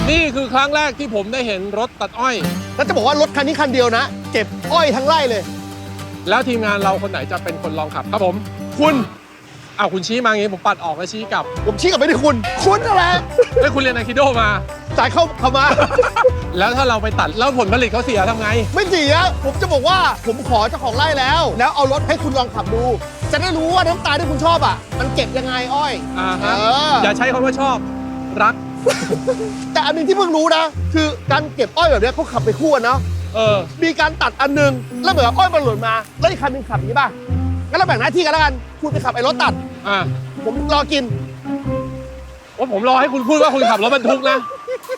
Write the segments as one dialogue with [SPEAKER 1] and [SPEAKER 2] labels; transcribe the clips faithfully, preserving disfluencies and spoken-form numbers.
[SPEAKER 1] นี่คือครั้งแรกที่ผมได้เห็นรถตัดอ้อย
[SPEAKER 2] แล้วจะบอกว่ารถคันนี้คันเดียวนะเก็บอ้อยทั้งไร่เลย
[SPEAKER 1] แล้วทีมงานเราคนไหนจะเป็นคนลองขับครับผมคุณอ้าวคุณชี้มาอย่างงี้ผมปัดออกแล้วชี้กลับ
[SPEAKER 2] ผมชี้กลับไปที่คุณคุณอะไร
[SPEAKER 1] แล้วคุณเรียนอะคิโดมา
[SPEAKER 2] จ่ายเข้าเข้ามา
[SPEAKER 1] แล้วถ้าเราไปตัดแล้วผลผลิตเขาเสียทำไง
[SPEAKER 2] ไม่เสียผมจะบอกว่าผมขอเจ้าของไร่แล้วแล้วเอารถให้คุณลองขับดูจะได้รู้ว่าน้ำตาลที่คุณชอบอ่ะมันเก็บยังไงอ้อย
[SPEAKER 1] อ่าฮะอย่าใช้คำว่าชอบรัก
[SPEAKER 2] แต่อันนึงที่เพิ่งรู้นะคือการเก็บอ้อยแบบนี้เขาขับไปคู่กันเนาะ
[SPEAKER 1] เออ
[SPEAKER 2] มีการตัดอันนึงแล้วเหมือนอ้อยมันหล่นมาแล้วอีกคันนึงขับอย่างนี้ป่ะงั้นเราแบ่งหน้าที่กันแล้วกันคุณไปขับไอ้รถตัด
[SPEAKER 1] อ่า
[SPEAKER 2] ผมรอกิน
[SPEAKER 1] ว่าผมรอให้คุณพูดว่าคุณขับรถบรรทุกนะ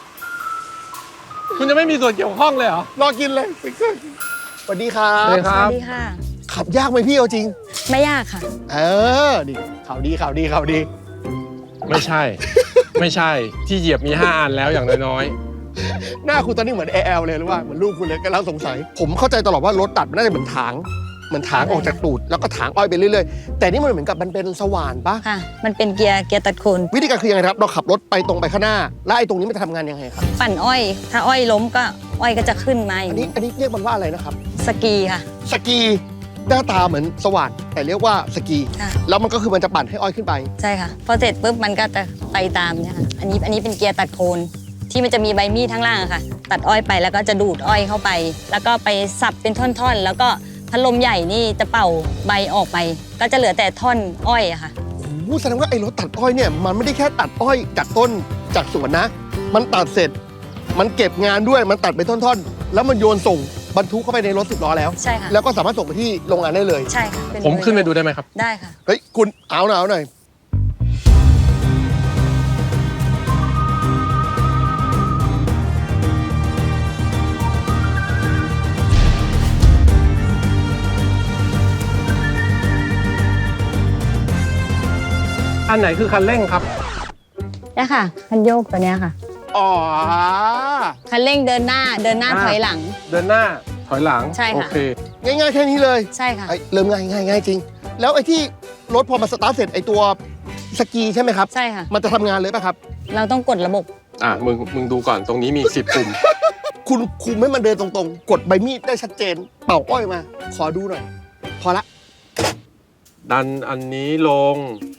[SPEAKER 1] คุณจะไม่มีส่วนเกี่ยวข้องเลยเหรอ
[SPEAKER 2] รอกินเลยสวัสดีครับ
[SPEAKER 1] สวัสดีครับ
[SPEAKER 3] สวัสดีค่ะ
[SPEAKER 2] ขับยากไหมพี่เอาจริง
[SPEAKER 3] ไม่ยากค่ะ
[SPEAKER 2] เออนี่ข่าวดีข่าวดีข่าวดี
[SPEAKER 1] ไม่ใช่ไม่ใช่ที่เหยียบมีห้าอันแล้วอย่างน้อย
[SPEAKER 2] ๆหน้าคุณตอนนี้เหมือนแอลเลยหรือว่าเหมือนลูกคุณเลยกำลังสงสัยผมเข้าใจตลอดว่ารถตัดมันน่าจะเหมือนถางเหมือนถางออกจากตูดแล้วก็ถางอ้อยไปเรื่อยๆแต่นี่มันเหมือนกับมันเป็นสว่านปะ
[SPEAKER 3] ค่ะมันเป็นเกียร์เกียร์ตัดโคน
[SPEAKER 2] วิธีการคือยังไงครับเราขับรถไปตรงไปข้างหน้าแล้วไอ้ตรงนี้มันจะทำงานยังไงครับ
[SPEAKER 3] ปั่นอ้อยถ้าอ้อยล้มก็อ้อยก็จะขึ้นมา
[SPEAKER 2] อันนี้อันนี้เรียกมันว่าอะไรนะครับ
[SPEAKER 3] สกีค่ะ
[SPEAKER 2] สกีหน้าตาเหมือนสว่านแต่เรียกว่าสกีแล้วมันก็คือมันจะปั่นให้อ้อยขึ้นไป
[SPEAKER 3] ใช่ค่ะพอเสร็จปุ๊บมันก็จะไปตามเนี่ยค่ะอันนี้อันนี้เป็นเกียร์ตัดโคนที่มันจะมีใบมีดทั้งล่างค่ะตัดอ้อยไปแล้วก็จะดูดอ้อยเข้าไปแล้วก็ไปสับเป็นท่อนๆแล้วก็พัดลมใหญ่นี่จะเป่าใบออกไปก็จะเหลือแต่ท่อนอ้อยอะค่ะ
[SPEAKER 2] โอ้แสดงว่าไอ้รถตัดอ้อยเนี่ยมันไม่ได้แค่ตัดอ้อยจากต้นจากสวนนะมันตัดเสร็จมันเก็บงานด้วยมันตัดเป็นท่อนๆแล้วมันโยนส่งบรรทุกเข้าไปในรถสิบล้อแล้ว
[SPEAKER 3] ใช่ค่ะ
[SPEAKER 2] แล้วก็สามารถส่งไปที่โรงงานได้เลย
[SPEAKER 3] ใช่ค่ะ
[SPEAKER 1] ผมขึ้นไปดูได้ไหมครับ
[SPEAKER 3] ได้ค่ะ
[SPEAKER 2] เฮ้ยคุณเอาหน่อยเอาหน่อย
[SPEAKER 1] อันไหนคือคันเร่งครับ
[SPEAKER 3] นี่ค่ะคันโยกตัวเนี้ยค่ะ
[SPEAKER 2] อ๋อ
[SPEAKER 3] คันเร่งเดินหน้าเดินหน้าถอยหลัง
[SPEAKER 1] เดินหน้าถอยหลัง
[SPEAKER 3] ใช่ค่ะ
[SPEAKER 1] โอเค
[SPEAKER 2] ง่ายๆแค่นี้เลย
[SPEAKER 3] ใช่ค่ะ
[SPEAKER 2] เริ่มง่ายง่ายง่ายจริงแล้วไอ้ที่รถพอมาสตาร์ทเสร็จไอ้ตัวสกีใช่ไหมครับ
[SPEAKER 3] ใช่ค่ะ
[SPEAKER 2] มันจะทำงานเลยป่ะครับ
[SPEAKER 3] เราต้องกดระบบ
[SPEAKER 1] อ่ะมึงมึงดูก่อนตรงนี้มีสิบปุ่ม
[SPEAKER 2] คุณคุมให้มันเดินตรงๆกดใบมีดได้ชัดเจนเป่าอ้อยมาขอดูหน่อยพอละ
[SPEAKER 1] ดันอันนี้ลง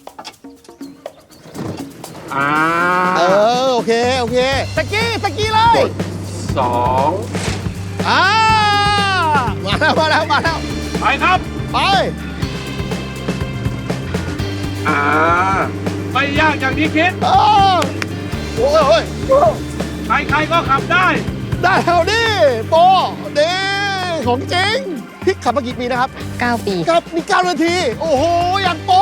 [SPEAKER 1] อ่า
[SPEAKER 2] เออโอเคโอเคสกีสกีเลย
[SPEAKER 1] สอง
[SPEAKER 2] อ่ามาแล้วมาแล้วมาแล้ว
[SPEAKER 1] ไปครับ
[SPEAKER 2] ไป
[SPEAKER 1] อ่าไม่ยากอย่างที่คิด
[SPEAKER 2] โอ้โห
[SPEAKER 1] ใครใครก็ขับได้
[SPEAKER 2] ได้แล้วดิโปดีของจริงพี่ขับมากี่ปีนะครับ
[SPEAKER 3] เก้าปี
[SPEAKER 2] ครับนี่เก้านาทีโอ้โหอย่างโป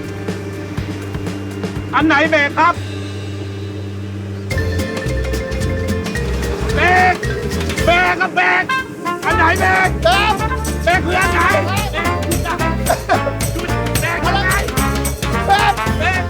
[SPEAKER 1] อันไหนเบรกครับเบรกเบรกกับเบรกอันไหนเบรก
[SPEAKER 2] เบรก
[SPEAKER 1] เบรกคืออันไหนเบรกเบรกอะไร
[SPEAKER 2] เบรก
[SPEAKER 1] เบรก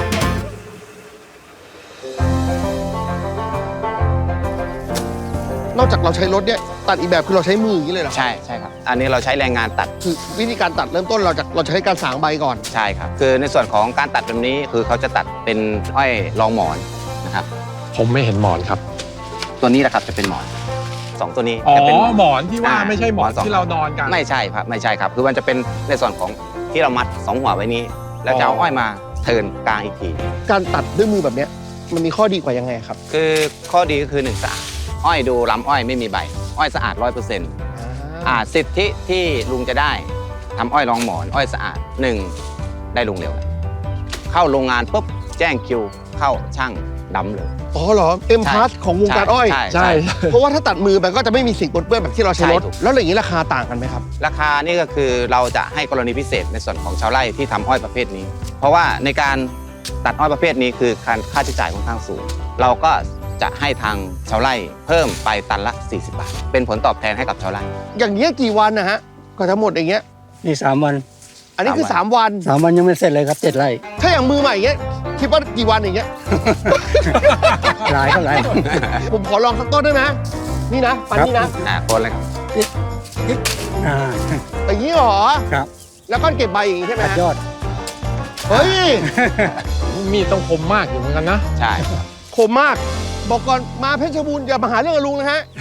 [SPEAKER 2] นอกจากเราใช้รถเนี่ยตัดอีกแบบคือเราใช้มืออย่างนี้เลยเหรอ
[SPEAKER 4] ใช่ใช่ครับอันนี้เราใช้แรงงานตัด
[SPEAKER 2] คือวิธีการตัดเริ่มต้นเราจะเราจะใช้การสางใบก่อน
[SPEAKER 4] ใช่ครับคือในส่วนของการตัดแบบนี้คือเขาจะตัดเป็นอ้อยรองหมอนนะครับ
[SPEAKER 1] ผมไม่เห็นหมอนครับ
[SPEAKER 4] ตัวนี้แหละครับจะเป็นหมอนสองตัวนี้
[SPEAKER 1] จะ
[SPEAKER 4] เป็น
[SPEAKER 1] หมอนที่ว่าไม่ใช่หมอนที่เรานอนกัน
[SPEAKER 4] ไม่ใช่ครับไม่ใช่ครับคือมันจะเป็นในส่วนของที่เรามัดสองหัวไว้นี้แล้วจะเอาอ้อยมาเทิร์นกลางอีกที
[SPEAKER 2] การตัดด้วยมือแบบนี้มันมีข้อดีกว่ายังไงครับ
[SPEAKER 4] คือข้อดีก็คือหนึ่งสะอาดอ้อยดูลำอ้อยไม่มีใบอ้อยสะอาดร้อยเปอร์เซ็นต์อ่าสิทธิที่ลุงจะได้ทำอ้อยรองหมอนอ้อยสะอาดหนึ่งได้ลุงเร็วเข้าโรงงานปุ๊บแจ้งคิวเข้าช่างดำเลย
[SPEAKER 2] อ๋อเหรอเอ็มพาสของวงการอ้อย
[SPEAKER 4] ใช่
[SPEAKER 2] เพราะว่าถ้าตัดมือมันก็จะไม่มีสิ่งปนเปื้อนแบบที่เราใช้รถแล้วอย่างนี้ราคาต่างกันไหมครับ
[SPEAKER 4] ราคานี่ก็คือเราจะให้กรณีพิเศษในส่วนของชาวไร่ที่ทำอ้อยประเภทนี้เพราะว่าในการตัดอ้อยประเภทนี้คือการค่าใช้จ่ายค่อนข้างสูงเราก็จะให้ทางชาวไร่เพิ่มไปตันละสี่สิบบาทเป็นผลตอบแทนให้กับชาวไร่
[SPEAKER 2] อย่างนี้กี่วันนะฮะก็ทั้งหมดอย่างเงี้ย
[SPEAKER 5] นี่สามวัน
[SPEAKER 2] อันนี้คือสามวัน
[SPEAKER 5] สามวันยังไม่เสร็จเลยครับเจ็ดไร่
[SPEAKER 2] ถ้าอย่างมือใหม่อย่างเงี้ยคิดว่ากี่วันอย่างเงี้ย
[SPEAKER 5] หลายเท่าไหร่
[SPEAKER 2] ผมขอลองสักต้นได้ไหมนี่นะปันนี่นะ
[SPEAKER 4] อ่าคนเลยครับ
[SPEAKER 5] อ่า
[SPEAKER 2] อย่างนี้เหรอ
[SPEAKER 5] ครับ
[SPEAKER 2] แล้วก็เก็บใบอย่างงี้ใช่ไหม
[SPEAKER 5] ยอด
[SPEAKER 2] เฮ้ย
[SPEAKER 1] มีดต้องคมมากอยู่เหมือนกันนะ
[SPEAKER 4] ใช่
[SPEAKER 2] คมมากบอกก่อนมาเพชรบูรณ์อย่ามาหาเรื่องกับลุงนะฮะ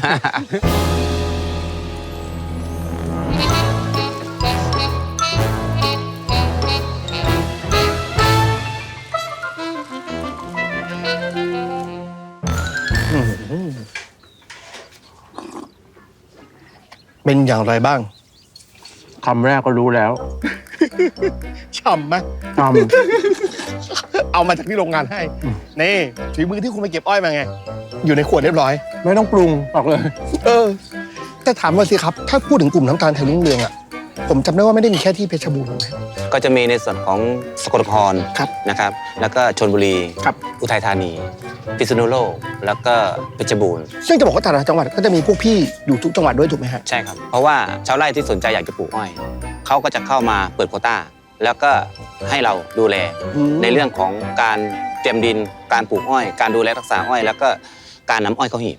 [SPEAKER 2] เป็นอย่างไรบ้าง
[SPEAKER 5] คำแรกก็รู้แล้ว
[SPEAKER 2] ฉ่ำไหม
[SPEAKER 5] ท
[SPEAKER 2] เอามาจากที่โรงงานให้ นี่ฝีมือที่คุณไปเก็บอ้อยมาไง อยู่ในขวดเรียบร้อย
[SPEAKER 5] ำไม่ต้องปรุงบอกเลย
[SPEAKER 2] เออ แต่ถามว่าสิครับ ถ้าพูดถึงกลุ่มน้ำตาลไทยรุ่งเรืองอ่ะ ผมจำได้ว่าไม่ได้มีแค่ที่เพชรบูรณ์นะ
[SPEAKER 4] ก็จะมีในส่วนของสกลนคร
[SPEAKER 2] ครับ
[SPEAKER 4] นะครับ แล้วก็ชลบุรี
[SPEAKER 2] ครับ
[SPEAKER 4] อุทัยธานี พิษณุโลก แล้วก็เพชรบูรณ์
[SPEAKER 2] ซึ่งจะบอกว่าแต่ละจังหวัดก็จะมีพวกพี่อยู่ทุกจังหวัดด้วยถูกไหมฮะ
[SPEAKER 4] ใช่ครับ เพราะว่าชาวไร่ที่สนใจอยากจะปลูกอ้อย เขาก็จะเข้ามาเปิดโควต้า แล้วก็ให้เราดูแล
[SPEAKER 2] อืม
[SPEAKER 4] ในเรื่องของการเตรียมดิน การปลูกอ้อย การดูแลรักษาอ้อย แล้วก็การนำอ้อยเข้าหีบ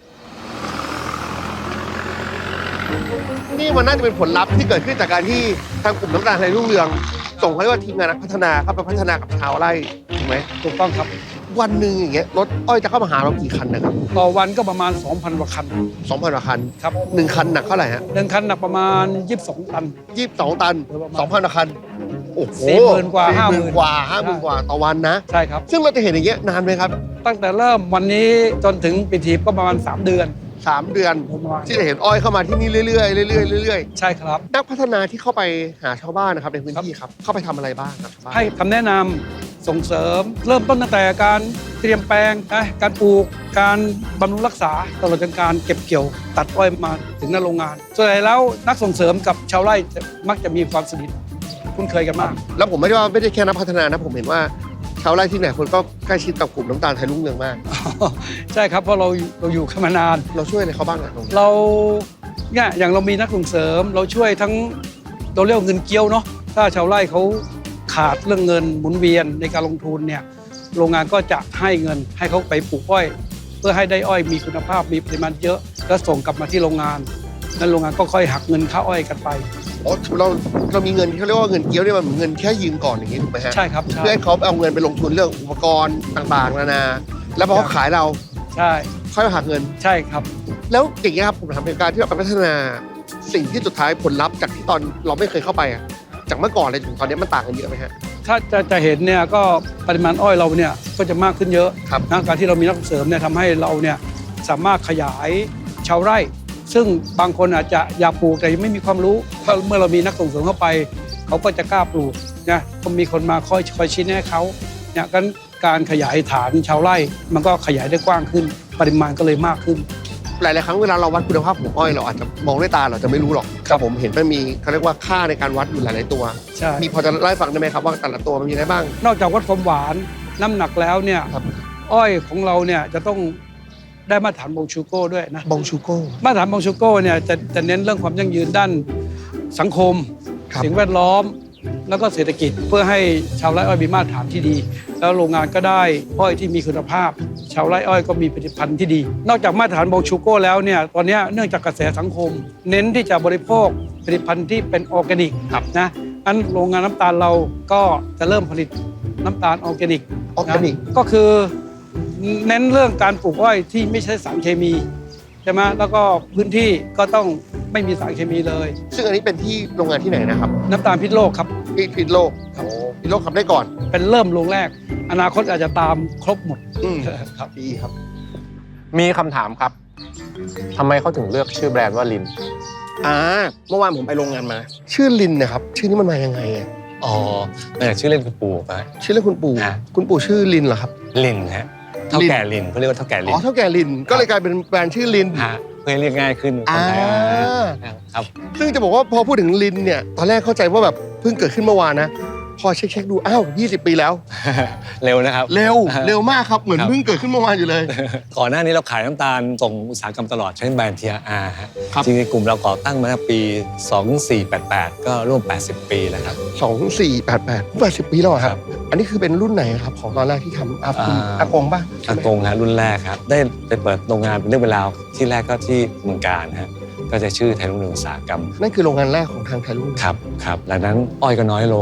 [SPEAKER 2] นี่มันน่าจะเป็นผลลัพธ์ที่เกิดขึ้นจากการที่ทางกลุ่มน้ำตาลไทยรุ่งเรือง ส่งเขาเรียกว่าทีมงานนักพัฒนาเข้าไปพัฒนากับชาวไร่ถูกไหม
[SPEAKER 1] ถูกต้องครับ
[SPEAKER 2] วันหนึ่งอย่างเงี้ยรถอ้อยจะเข้ามาหาเรากี่คันนะครับ
[SPEAKER 1] ต่อวันก็ประมาณ สองพัน กว่าคัน
[SPEAKER 2] สองพันกว่าคัน
[SPEAKER 1] ครับ
[SPEAKER 2] หนึ่งคันหนักเท่าไหร่ฮะ
[SPEAKER 1] หนึ่งคันหนักประมาณ ยี่สิบสอง ตัน
[SPEAKER 2] ยี่สิบสองตันสองพันกว่าคันโอ้โห
[SPEAKER 1] สี่หมื่นกว่า
[SPEAKER 2] สี่
[SPEAKER 1] ห้า
[SPEAKER 2] ห
[SPEAKER 1] หมื่
[SPEAKER 2] มื่น
[SPEAKER 1] น
[SPEAKER 2] กว่าห้าหมื่นกว่าต่อวันนะ
[SPEAKER 1] ใช่ครับ
[SPEAKER 2] ซึ่งเราจะเห็นอย่างเงี้ยนานไหมครับ
[SPEAKER 1] ตั้งแต่เริ่มวันนี้จนถึงปิดหีบก็ประมาณ สาม เดือน
[SPEAKER 2] สามเดือน
[SPEAKER 1] ประมาณ
[SPEAKER 2] ที่จะเห็นอ้อยเข้ามาที่นี่เรื่อยๆเรื่อยๆเรื่อย
[SPEAKER 1] ใช่ครับ
[SPEAKER 2] ๆนักพัฒนาที่เข้าไปหาชาวบ้านนะครับในพื้นที่ครับเข้าไปทำอะไรบ้างครับชาวบ้าน
[SPEAKER 1] ให้คำแนะนำส่งเสริม เริ่มต้นตั้งแต่การเตรียมแปลงนะการปลูกการบำรุงรักษาตลอดจนการเก็บเกี่ยวตัดอ้อยมาถึงหน้าโรงงาน ส่วนใหญ่แล้วนักส่งเสริมกับชาวไร่จะมักจะมีความสนิทคุ้นเคยกันมาก
[SPEAKER 2] แล้วผมไม่ได้ว่าไม่ได้แค่นักพัฒนานะผมเห็นว่าชาวไร่ที่ไหนคนก็ใกล้ชิดกับกลุ่มน้ำตาลไทยรุ่งเรืองมาก
[SPEAKER 1] ใช่ครับเพราะเราเราอยู่กันมานาน
[SPEAKER 2] เราช่วยอะไรเขาบ้างอะตรงนี้
[SPEAKER 1] เราเนี่ยอย่างเรามีนักส่งเสริม เราช่วยทั้งเราเรียกว่าเงินเกี้ยวเนาะถ้าชาวไร่เขาขาดเรื่องเงินหมุนเวียนในการลงทุนเนี่ยโรงงานก็จะให้เงินให้เขาไปปลูกอ้อย เพื่อให้ได้อ้อยมีคุณภาพมีปริมาณเยอะแล้วส่งกลับมาที่โรงงานนั้นโรงงานก็ค่อยหักเงินค่าอ้อยกันไป
[SPEAKER 2] อ๋อเราเรามีเงินที่เขาเรียกว่าเงินเกี้ยวเนี่ยมันเหมือนเงินแค่ยืมก่อนอย่างนี้ถูกไหมฮะ
[SPEAKER 1] ใช่ครับใช่
[SPEAKER 2] เพื่อให้เขาเอาเงินไปลงทุนเรื่องอุปกรณ์ต่างๆนานาแล้วพอเขาขายเรา
[SPEAKER 1] ใช่
[SPEAKER 2] ค่อยมาหักเงิน
[SPEAKER 1] ใช่ครับ
[SPEAKER 2] แล้วอย่างเงี้ยครับผมถามเป็นการที่เราไปพัฒนาสิ่งที่สุดท้ายผลลัพธ์จากที่ตอนเราไม่เคยเข้าไปอะจากเมื่อก่อนเลยถึงตอนนี้มันต่างกันเยอะไหมฮะ
[SPEAKER 1] ถ้าจะจะเห็นเนี่ยก็ปริมาณอ้อยเราเนี่ยก็จะมากขึ้นเยอะ
[SPEAKER 2] ครับ
[SPEAKER 1] นะการที่เรามีนักส่งเสริมเนี่ยทำให้เราเนี่ยสามารถขยายชาวไร่ ซึ่งบางคนอาจจะอยากปลูกแต่ยังไม่มีความรู้เพราะเมื่อเรามีนักส่งเสริมเข้าไป เขาก็จะกล้าปลูกนะก็มีคนมาคอยคอยชี้แนะเขาเนี่ยกันการขยายฐานชาวไร่ มันก็ขยายได้กว้างขึ้น ปริมาณก็เลยมากขึ้น
[SPEAKER 2] หลายๆครั้งเวลาเราวัดคุณภาพของอ้อยเราอาจจะมองด้วยตาเราจะไม่รู้หรอกครับผมเห็นมันมีเขาเรียกว่าค่าในการวัดอยู่หลายๆตัว
[SPEAKER 1] ใช่
[SPEAKER 2] มีพอจะเล่าให้ฟังได้ไหมครับว่าแต่ละตัวมันมีอะไรบ้าง
[SPEAKER 1] นอกจากวัดความหวานน้ำหนักแล้วเนี่ย
[SPEAKER 2] ครับ
[SPEAKER 1] อ้อยของเราเนี่ยจะต้องได้มาตรฐานบงชูโก้ด้วยนะ
[SPEAKER 2] บองชูโก้
[SPEAKER 1] มาตรฐานบงชูโก้เนี่ยจะจะเน้นเรื่องความยั่งยืนด้านสังคม
[SPEAKER 2] ครับ
[SPEAKER 1] สิ่งแวดล้อม แล้วก็เศรษฐกิจเพื่อให้ชาวไร่อ้อยมีมาตรฐานที่ดี แล้วโรงงานก็ได้อ้อยที่มีคุณภาพ ชาวไร่อ้อยก็มีผลิตภัณฑ์ที่ดี นอกจากมาตรฐานบงชูโก้แล้วเนี่ยตอนนี้เนื่องจากกระแสสังคม เน้นที่จะบริโภคผลิตภัณฑ์ที่เป็นออร์แกนิกนะอันโรงงานน้ำตาลเราก็จะเริ่มผลิตน้ำตาลออร์แกนิก
[SPEAKER 2] ออร์แกนิก
[SPEAKER 1] ก็คือเน้นเรื่องการปลูกอ้อยที่ไม่ใช้สารเคมีใช่ไหมแล้วก็พื้นที่ก็ต้องไม่มีสารเคมีเลย
[SPEAKER 2] ซึ่งอันนี้เป็นที่โรงงานที่ไหนนะครับ
[SPEAKER 1] น้ำตาลพิษโลกครับ
[SPEAKER 2] ที่พิษโลกโอ้พิษโลกทำได้ก่อน
[SPEAKER 1] เป็นเริ่มโรงแรก อนาคตอาจจะตามครบหมด
[SPEAKER 2] อืม
[SPEAKER 1] ครับ
[SPEAKER 2] ดีครับ
[SPEAKER 6] มีคำถามครับทำไมเขาถึงเลือกชื่อแบรนด์ว่าลิน
[SPEAKER 2] อ่าเมื่อวานผมไปโรงงานมา ชื่อลินนะครับชื่อนี้มันมายังไงอะ
[SPEAKER 7] อ๋อมาจากชื่อเล่นคุณปู่ปะ
[SPEAKER 2] ชื่อเล่นคุณปู่
[SPEAKER 7] อ่า
[SPEAKER 2] คุณปู่ชื่อลินเหรอครับ
[SPEAKER 7] ลินฮะเท่าแก่ลินเขาเรียกว่าเท่าแก่ลิ
[SPEAKER 2] อ๋
[SPEAKER 7] น
[SPEAKER 2] อเท่าแก่ลินก็เลยกลายเป็นแบรนด์ชื่อลิน
[SPEAKER 7] ฮะเพื่อให้เรียกง่ายขึ้นคนไทย
[SPEAKER 2] อ่า
[SPEAKER 7] อ่าครับ
[SPEAKER 2] ซึ่งจะบอกว่าพอพูดถึงลินเนี่ยตอนแรกเข้าใจว่าแบบเพิ่งเกิดขึ้นเมื่อวานนะพอเช็คๆดูอ้าวยี่สิบปีแล้ว
[SPEAKER 7] เร็วนะครับ
[SPEAKER 2] เร็วเร็วมากครับเหมือน
[SPEAKER 7] ครับ
[SPEAKER 2] เพิ่งเกิดขึ้นเมื่อวานอยู่เลย
[SPEAKER 7] ก่อนหน้านี้เราขายน้ำตาลส่งอุตสาหกรรมตลอดใช้แบรนด์ ที อาร์ ฮะ
[SPEAKER 2] ครับ
[SPEAKER 7] จริงๆกลุ่มเราก่อตั้งมาตั้งปีสองสี่แปดแปดก็ร่วมแปดสิบปีแล้วครับ
[SPEAKER 2] สองสี่แปดแปดแปดสิบปีแล้วเหรอค
[SPEAKER 7] ค
[SPEAKER 2] รั
[SPEAKER 7] รั
[SPEAKER 2] บบ อันนี้คือเป็นรุ่นไหนครับของตอนแรกที่ทำอาคุณ
[SPEAKER 7] อ่า
[SPEAKER 2] อากงป่ะใช่
[SPEAKER 7] อา
[SPEAKER 2] ไหม
[SPEAKER 7] กงฮะรุ่นแรกครับได้ไปเปิดโรงงานเป็นเรื่องเป็นราวที่แรกก็ที่เมืองการฮะก็จะชื่อไทยรุ่งเรืองอุตสาหกรรม
[SPEAKER 2] นั่นคือโรงงานแรกของทางไทยรุ่ง
[SPEAKER 7] ครับครับหลังนั้นอ้อยก็น้อยลง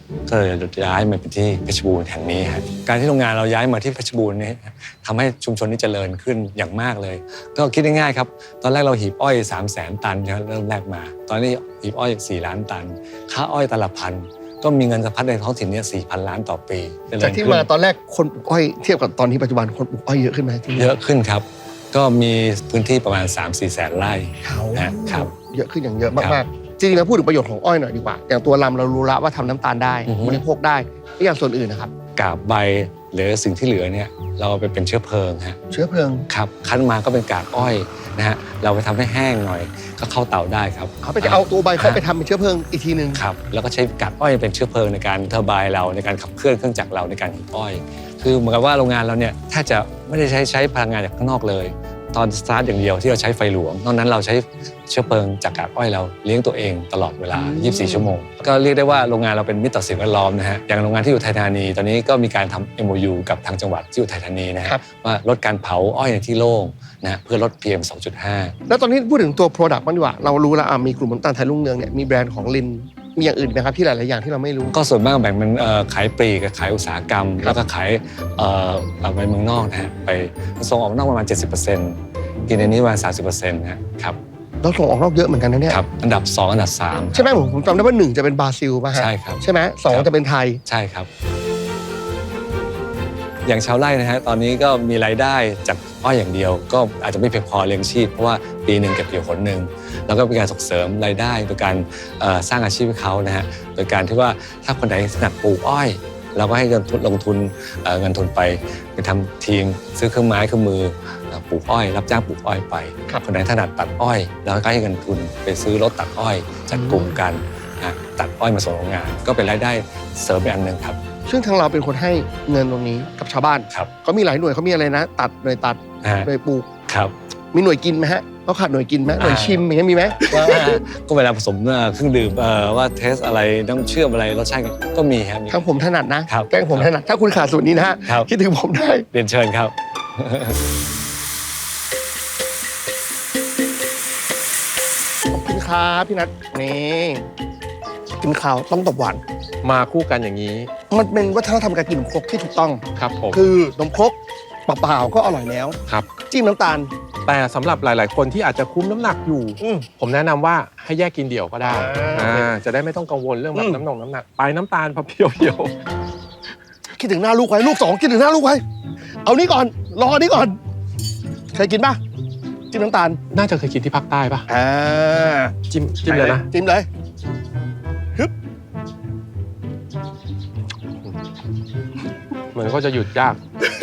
[SPEAKER 7] ก็เลยย้ายมาเป็นที่เพชรบูรณ์แห่งนี้ฮะการที่โรงงานเราย้ายมาที่เพชรบูรณ์นี่ทำให้ชุมชนนี้เจริญขึ้นอย่างมากเลย ก็คิดง่ายๆครับตอนแรกเราหีบอ้อยสามแสนตันนะเริ่มแรกมา ตอนนี้หีบอ้อยสี่ล้านตันค่าอ้อยตันละพันก็มีเงินสะพัดในท้องถิ่นเนี่ยสี่พันล้านต่อปีเจริญ
[SPEAKER 2] จากที่
[SPEAKER 7] ขึ้น
[SPEAKER 2] มาตอนแรกคนปลูกอ้อยเทียบกับตอนนี้ปัจจุบันคนปลูกอ้อยเยอะขึ้นไหมที่นี่
[SPEAKER 7] เยอะขึ้นครับ ก็มีพื้นที่ประมาณ สามสี่แสนไร่นะครับ
[SPEAKER 2] เยอะขึ้นอย่างเยอะ
[SPEAKER 7] ครั
[SPEAKER 2] มาก
[SPEAKER 7] บ
[SPEAKER 2] ๆจริงๆแล้วพูดถึงประโยชน์ของอ้อยหน่อยดีกว่าอย่างตัวลำเรารู้ละว่าทำน้ำตาลได้
[SPEAKER 7] อือฮึ
[SPEAKER 2] บริโภคได้แล้วอย่างส่วนอื่นนะครับ
[SPEAKER 7] กาบใบหรือสิ่งที่เหลือเนี่ยเราเอาไปเป็นเชื้อเพลิงฮะ
[SPEAKER 2] เชื้อเพลิง
[SPEAKER 7] ครับคั้นมาก็เป็นกากอ้อยนะฮะเราไปทำให้แห้งหน่อยก็เข้าเตาได้ครับ
[SPEAKER 2] เขาไปจะเอาตัวใบเข้าไปทำเป็นเชื้อเพลิงอีกทีหนึ่ง
[SPEAKER 7] ครับแล้วก็ใช้กากอ้อยเป็นเชื้อเพลิงในการเทอร์ไบน์เราในการขับเคลื่อนเครื่องจักรเราในการหีบอ้อย คือเหมือนกับว่าโรงงานเราเนี่ยแทบจะไม่ได้ใช้ใช้พลังงานจากข้างนอกเลย ตอนสตาร์ทอย่างเดียวที่เราใช้ไฟหลวงนอกนั้นเราใช้เชื้อเพลิงจากกากอ้อยเราเลี้ยงตัวเองตลอดเวลา ยี่สิบสี่ ชั่วโมง ก็เรียกได้ว่าโรงงานเราเป็นมิตรต่อสิ่งแวดล้อมนะฮะอย่างโรงงานที่อยู่ไทยธานีตอนนี้ก็มีการทำ เอ็ม โอ ยู กับทางจังหวัดที่อยู่ไทยธานีนะฮะว่าลดการเผาอ้อยในที่โล่งนะฮะเพื่อลด พี เอ็ม สองจุดห้า
[SPEAKER 2] แล้วตอนนี้พูดถึงตัว Product บ้างดีกว่าเรารู้แล้วอ่ะมีกลุ่มน้ำตาลไทยรุ่งเรืองเนี่ยมีแบรนด์ของลินมีอย่างอื่นไหมครับที่หลายๆอย่างที่เราไม่รู้
[SPEAKER 7] ก็ส่วนมากแบ่งเป็นเอ่อขายปลีกกับขายอุตสาหกรรม แล้วก็ขายเอ่อเอาไปเมืองนอกนะฮะไปส่งออกนอกประมาณ เจ็ดสิบเปอร์เซ็นต์ กินในนี้ประมาณ สามสิบเปอร์เซ็นต์ นะครับ
[SPEAKER 2] เราส่งออกนอกเยอะเหมือนกันนะเนี่ย
[SPEAKER 7] ครับอันดับสองอันดับสาม
[SPEAKER 2] ใช่ไหมผมผมจำได้ว่าหนึ่งจะเป็นบราซิลป่ะฮะ
[SPEAKER 7] ใช่ครับ
[SPEAKER 2] ใช่ไหมสอง
[SPEAKER 7] ครับ
[SPEAKER 2] จะเป็นไทย
[SPEAKER 7] ใช่ครับ อย่างชาวไร่นะฮะตอนนี้ก็มีรายได้จากอ้อยอย่างเดียว ก็อาจจะไม่เพียงพอเลี้ยงชีพเพราะว่าปีหนึ่งเก็บเกี่ยวผลหนึ่งแล้วก็เป็นการส่งเสริมรายได้โดยการเอ่อสร้างอาชีพให้เขานะฮะโดยการที่ว่าถ้าคนไหนถนัดปลูกอ้อย เราก็ให้เงินทุนลงทุนเอ่อเงินทุนไปไปทำทีมซื้อเครื่องไม้เครื่องมือเอ่อปลูกอ้อย รับจ้างปลูกอ้อยไปคนไหนถนัดตัดอ้อยเราก็ให้เงินทุนไปซื้อรถตัดอ้อยจัดกลุ่มกันนะตัดอ้อยมาส่งโรงงาน ก็เป็นรายได้เสริมไปอันหนึ่งครับ
[SPEAKER 2] ซึ่งทางเราเป็นคนให้เงินตรงนี้กับชาวบ้าน
[SPEAKER 7] ครับ
[SPEAKER 2] เขามีหลายหน่วยเขามีอะไรนะ ตัดหน่วยตัด
[SPEAKER 7] นะฮะ
[SPEAKER 2] หน่วยปลูก
[SPEAKER 7] ครับ
[SPEAKER 2] มีหน่วยกินไหมฮะเขาขาดหน่วยกินไหมหน่วยชิมอย่างเงี้ยมีไหม
[SPEAKER 7] ว่าก็เวลาผสมเอ่อเครื่องดื่มเอ่อว่าเทสอะไรน้ำเชื่อมอะไรรสชาติก็มีครับมี
[SPEAKER 2] ทางผมถนัดนะครับ แกงผมถนัดถ้าคุณขาดสูตรนี้นะฮะ
[SPEAKER 7] ครับ
[SPEAKER 2] คิดถึงผมได้
[SPEAKER 7] เรียนเชิญครับ
[SPEAKER 2] ขอบคุณครับพี่นัทนี่กินข้าวต้องตบหวาน
[SPEAKER 6] มาคู่กันอย่างนี้
[SPEAKER 2] มันเป็นวัฒนธรรมการกินนมครกที่ถูกต้อง
[SPEAKER 6] ครับผม
[SPEAKER 2] คือนมครกเปล่าๆก็อร่อยแล้ว
[SPEAKER 6] ครับ
[SPEAKER 2] จิ้มน้ำตาล
[SPEAKER 6] แต่สำหรับหลายๆ คนที่อาจจะคุมน้ำหนักอยู่
[SPEAKER 2] อืม
[SPEAKER 6] ผมแนะนำว่าให้แยกกินเดี่ยวก็ได้
[SPEAKER 2] อ่า
[SPEAKER 6] อ่าจะได้ไม่ต้องกังวลเรื่องแบ
[SPEAKER 2] อื
[SPEAKER 6] บ
[SPEAKER 2] ม
[SPEAKER 6] น้ำหนงน้ำหนักไปน้ำตาลพอเพียวเดียว
[SPEAKER 2] คิดถึงหน้าลูกไว้ลูกสองคิดถึงหน้าลูกไว้เอานี่ก่อนรอนี่ก่อนเคยกินป่ะจิ้มน้ำตาล
[SPEAKER 6] น่าจะเคยกินที่ภาคใต้ปะ
[SPEAKER 2] อ่า
[SPEAKER 6] จิ้มจิ้มเลยนะ
[SPEAKER 2] จิ้มเลยฮึบ
[SPEAKER 6] เหมือนก็จะหยุดยาก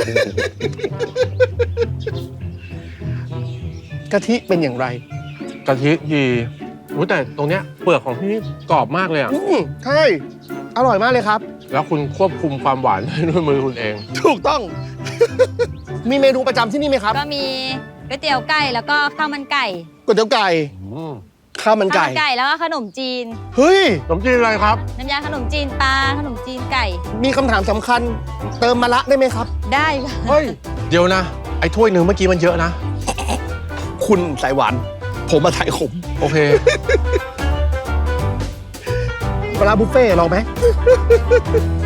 [SPEAKER 2] กะทิเป็นอย่างไร
[SPEAKER 6] กะทิดีรู้แต่ตรงเนี้ยเปลือกของที่นี่กรอบมากเลยอ่ะ
[SPEAKER 2] อืมใช่อร่อยมากเลยครับ
[SPEAKER 6] แล้วคุณควบคุมความหวานด้วยมือคุณเอง
[SPEAKER 2] ถูกต้อง มีเมนูประจำที่นี่ไหมครับ
[SPEAKER 3] ก็มีก๋วยเตี๋ยวไก่แล้วก็ข้าวมันไก่
[SPEAKER 2] ก๋วยเตี๋ยวไก่
[SPEAKER 6] อืม
[SPEAKER 2] ข้าวมัน
[SPEAKER 3] ข้าว
[SPEAKER 2] ไก่
[SPEAKER 3] มันไก่แล้วก็ขนมจีน
[SPEAKER 2] เฮ้ย
[SPEAKER 6] ขนมจีนอะไรครับ
[SPEAKER 3] น้ำยาขนมจีนปลาขนมจีนไก่
[SPEAKER 2] มีคำถามสำคัญ เติมมะระได้ไหมครับ
[SPEAKER 3] ได้ค่ะ
[SPEAKER 6] เฮ้ย เดี๋ยวนะ ไอ้ถ้วยหนึ่งเมื่อกี้มันเยอะนะ
[SPEAKER 2] คุณสายหวาน ผมมาถ่ายขม
[SPEAKER 6] โอเค
[SPEAKER 2] ปลาร้าบุฟเฟ่ต์ลองไหม